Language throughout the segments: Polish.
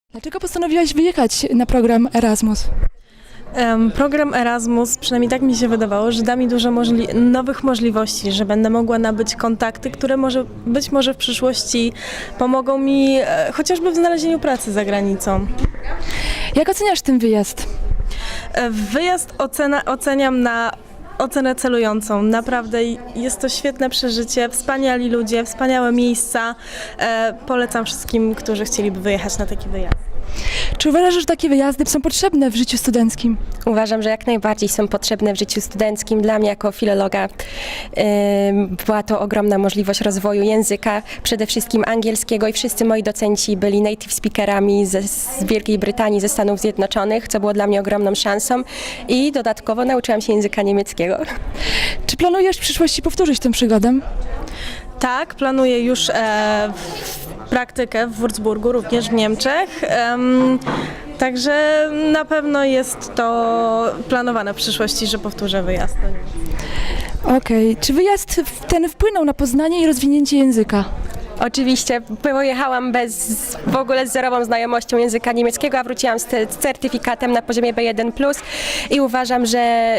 Dlaczego postanowiłaś wyjechać na program Erasmus? Program Erasmus, przynajmniej tak mi się wydawało, że da mi dużo nowych możliwości, że będę mogła nabyć kontakty, które być może w przyszłości pomogą mi chociażby w znalezieniu pracy za granicą. Jak oceniasz ten wyjazd? Wyjazd oceniam na ocenę celującą. Naprawdę jest to świetne przeżycie, wspaniali ludzie, wspaniałe miejsca. Polecam wszystkim, którzy chcieliby wyjechać na taki wyjazd. Czy uważasz, że takie wyjazdy są potrzebne w życiu studenckim? Uważam, że jak najbardziej są potrzebne w życiu studenckim. Dla mnie jako filologa była to ogromna możliwość rozwoju języka, przede wszystkim angielskiego, i wszyscy moi docenci byli native speakerami z Wielkiej Brytanii, ze Stanów Zjednoczonych, co było dla mnie ogromną szansą, i dodatkowo nauczyłam się języka niemieckiego. Czy planujesz w przyszłości powtórzyć tę przygodę? Tak, planuję już praktykę w Würzburgu, również w Niemczech. Także na pewno jest to planowane w przyszłości, że powtórzę wyjazd do Niemiec. Okej. Czy wyjazd ten wpłynął na poznanie i rozwinięcie języka? Oczywiście pojechałam w ogóle z zerową znajomością języka niemieckiego, a wróciłam z certyfikatem na poziomie B1+, i uważam, że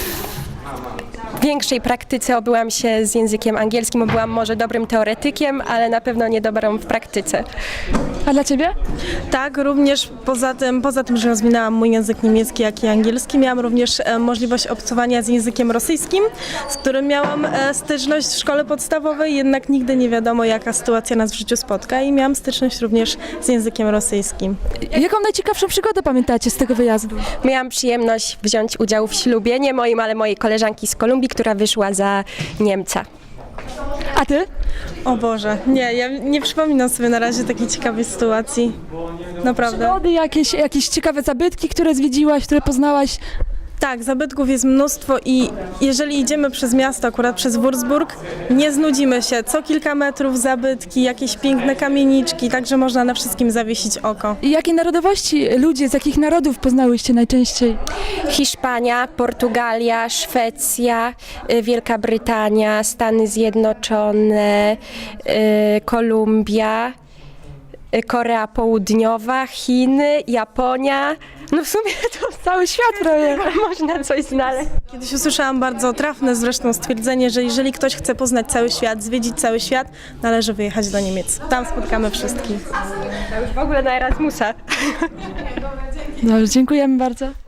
w większej praktyce obyłam się z językiem angielskim, byłam może dobrym teoretykiem, ale na pewno nie dobrą w praktyce. A dla Ciebie? Tak, również poza tym, że rozwinęłam mój język niemiecki, jak i angielski, miałam również możliwość obcowania z językiem rosyjskim, z którym miałam styczność w szkole podstawowej, jednak nigdy nie wiadomo, jaka sytuacja nas w życiu spotka, i miałam styczność również z językiem rosyjskim. Jaką najciekawszą przygodę pamiętacie z tego wyjazdu? Miałam przyjemność wziąć udział w ślubie, nie moim, ale mojej koleżanki z Kolumbii, która wyszła za Niemca. A Ty? O Boże, nie, ja nie przypominam sobie na razie takiej ciekawej sytuacji. Naprawdę. Przygody, jakieś ciekawe zabytki, które zwiedziłaś, które poznałaś? Tak, zabytków jest mnóstwo, i jeżeli idziemy przez miasto, akurat przez Würzburg, nie znudzimy się. Co kilka metrów zabytki, jakieś piękne kamieniczki, także można na wszystkim zawiesić oko. I jakiej narodowości ludzie, z jakich narodów poznałyście najczęściej? Hiszpania, Portugalia, Szwecja, Wielka Brytania, Stany Zjednoczone, Kolumbia, Korea Południowa, Chiny, Japonia. No w sumie to Cały świat prawie. można coś znaleźć. Kiedyś usłyszałam bardzo trafne zresztą stwierdzenie, że jeżeli ktoś chce poznać cały świat, zwiedzić cały świat, należy wyjechać do Niemiec. Tam spotkamy wszystkich. To już w ogóle na Erasmusa. Dobrze, dziękujemy bardzo.